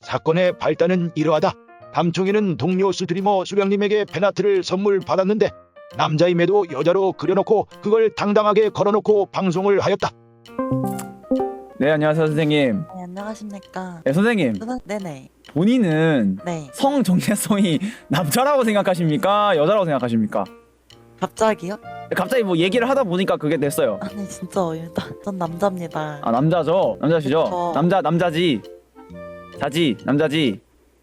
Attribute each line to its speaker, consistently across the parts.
Speaker 1: 사건의 발단은 이러하다. 담총이는 동료 스트리머 수령님에게 팬아트를 선물 받았는데 남자임에도 여자로 그려놓고 그걸 당당하게 걸어놓고 방송을 하였다.
Speaker 2: 네, 안녕하세요 선생님.
Speaker 3: 네, 안녕하십니까.
Speaker 2: 네, 선생님.
Speaker 3: 네네.
Speaker 2: 본인은
Speaker 3: 네.
Speaker 2: 성 정체성이 남자라고 생각하십니까? 여자라고 생각하십니까?
Speaker 3: 갑자기요?
Speaker 2: 갑자기 뭐 얘기를 하다 보니까 그게 됐어요.
Speaker 3: 아니 진짜 어이다. 전 남자입니다.
Speaker 2: 아, 남자죠? 남자시죠?
Speaker 3: 그쵸.
Speaker 2: 남자지. 남자지.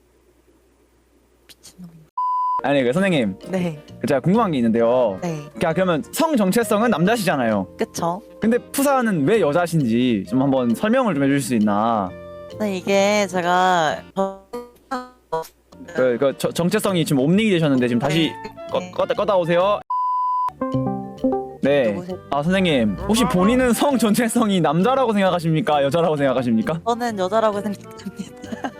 Speaker 3: 미친놈.
Speaker 2: 아니, 선생님.
Speaker 3: 네.
Speaker 2: 제가 궁금한 게 있는데요.
Speaker 3: 네.
Speaker 2: 그러면 성 정체성은 남자시잖아요.
Speaker 3: 그쵸?
Speaker 2: 근데 푸사는 왜 여자신지 좀 한번 설명을 좀 해주실 수 있나?
Speaker 3: 네, 이게 제가
Speaker 2: 정체성이 지금 옴닉이 되셨는데 지금 다시 껐다 오세요. 네.
Speaker 3: 누구세요?
Speaker 2: 아, 선생님. 혹시 본인은 성 정체성이 남자라고 생각하십니까? 여자라고 생각하십니까?
Speaker 3: 저는 여자라고 생각합니다.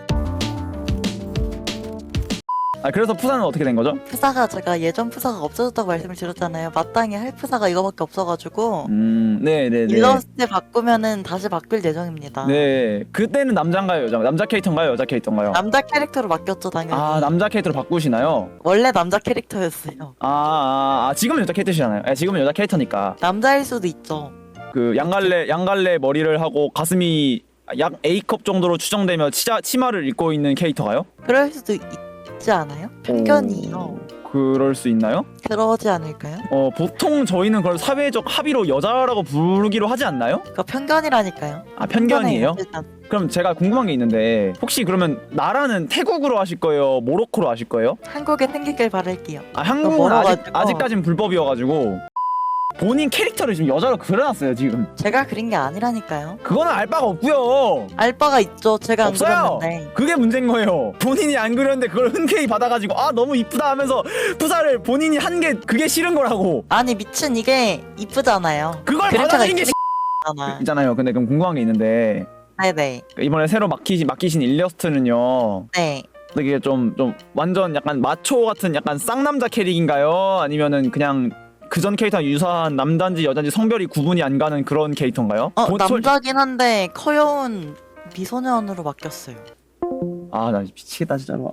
Speaker 2: 아, 그래서 푸사는 어떻게 된 거죠?
Speaker 3: 푸사가 제가 예전 푸사가 없어졌다고 말씀을 드렸잖아요. 마땅히 할 푸사가 이거밖에 없어가지고
Speaker 2: 네네네.
Speaker 3: 일러스트 바꾸면은 다시 바뀔 예정입니다.
Speaker 2: 네. 그때는 남자인가요? 남자 캐릭터인가요? 여자 캐릭터인가요?
Speaker 3: 남자 캐릭터로 바뀌었죠 당연히.
Speaker 2: 아, 남자 캐릭터로 바꾸시나요?
Speaker 3: 원래 남자 캐릭터였어요.
Speaker 2: 지금은 여자 캐릭터시잖아요. 지금은 여자 캐릭터니까.
Speaker 3: 남자일 수도 있죠.
Speaker 2: 그 양갈래 머리를 하고 가슴이 약 A컵 정도로 추정되며 치마를 입고 있는 캐릭터가요?
Speaker 3: 그럴 수도 있지 않아요? 편견이요.
Speaker 2: 그럴 수 있나요?
Speaker 3: 그러지 않을까요?
Speaker 2: 보통 저희는 그걸 사회적 합의로 여자라고 부르기로 하지 않나요?
Speaker 3: 그러니까 편견이라니까요.
Speaker 2: 아, 편견이에요?
Speaker 3: 편견이에요, 일단.
Speaker 2: 그럼 제가 궁금한 게 있는데 혹시 그러면 나라는 태국으로 하실 거예요? 모로코로 하실 거예요?
Speaker 3: 한국에 생기길 바랄게요.
Speaker 2: 아, 한국은
Speaker 3: 멀어가지고.
Speaker 2: 아직까진 불법이어가지고 본인 캐릭터를 지금 여자로 그려놨어요 지금.
Speaker 3: 제가 그린 게 아니라니까요.
Speaker 2: 그거는 알 바가 없고요.
Speaker 3: 알바가 있죠. 제가 안
Speaker 2: 없어요.
Speaker 3: 그렸는데.
Speaker 2: 그게 문제인 거예요. 본인이 안 그렸는데 그걸 흔쾌히 받아가지고 아 너무 이쁘다 하면서 푸사를 본인이 한 게 그게 싫은 거라고.
Speaker 3: 아니 미친 이게 이쁘잖아요.
Speaker 2: 그걸
Speaker 3: 그림체가
Speaker 2: 받아들인 게
Speaker 3: 이쁘잖아.
Speaker 2: 있잖아요. 근데 그럼 궁금한 게 있는데
Speaker 3: 네네.
Speaker 2: 이번에 새로 맡기신 일러스트는요.
Speaker 3: 네.
Speaker 2: 되게 좀 완전 약간 마초 같은 약간 쌍남자 캐릭인가요? 아니면은 그냥 그전 캐릭터랑 유사한 남자인지 여자인지 성별이 구분이 안 가는 그런 캐릭터인가요?
Speaker 3: 남자긴 한데 커여운 미소년으로 바뀌었어요.
Speaker 2: 나 미치겠다 진짜로.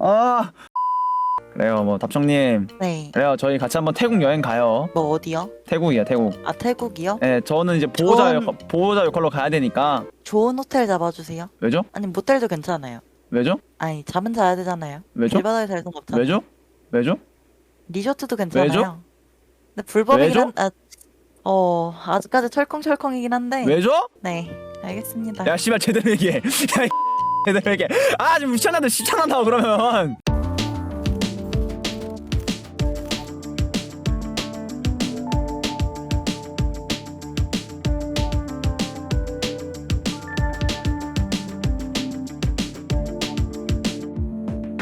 Speaker 2: 그래요. 뭐 답정님.
Speaker 3: 네.
Speaker 2: 그래요. 저희 같이 한번 태국 여행 가요.
Speaker 3: 뭐 어디요?
Speaker 2: 태국이요, 태국.
Speaker 3: 아 태국이요?
Speaker 2: 네, 저는 이제 보호자 역할로 가야 되니까.
Speaker 3: 좋은 호텔 잡아주세요.
Speaker 2: 왜죠?
Speaker 3: 아니 모텔도 괜찮아요.
Speaker 2: 왜죠?
Speaker 3: 아니 잠은 자야 되잖아요.
Speaker 2: 왜죠?
Speaker 3: 길바닥에 잘 순 없잖아요.
Speaker 2: 왜죠? 왜죠?
Speaker 3: 리조트도 괜찮아요.
Speaker 2: 왜죠?
Speaker 3: 근데 불법이긴
Speaker 2: 왜죠?
Speaker 3: 아직까지 철컹철컹이긴 한데.
Speaker 2: 왜죠?
Speaker 3: 네, 알겠습니다.
Speaker 2: 야, 씨발 제대로 얘기해. 야, 제대로 얘기해. 지금 귀찮아도 그러면.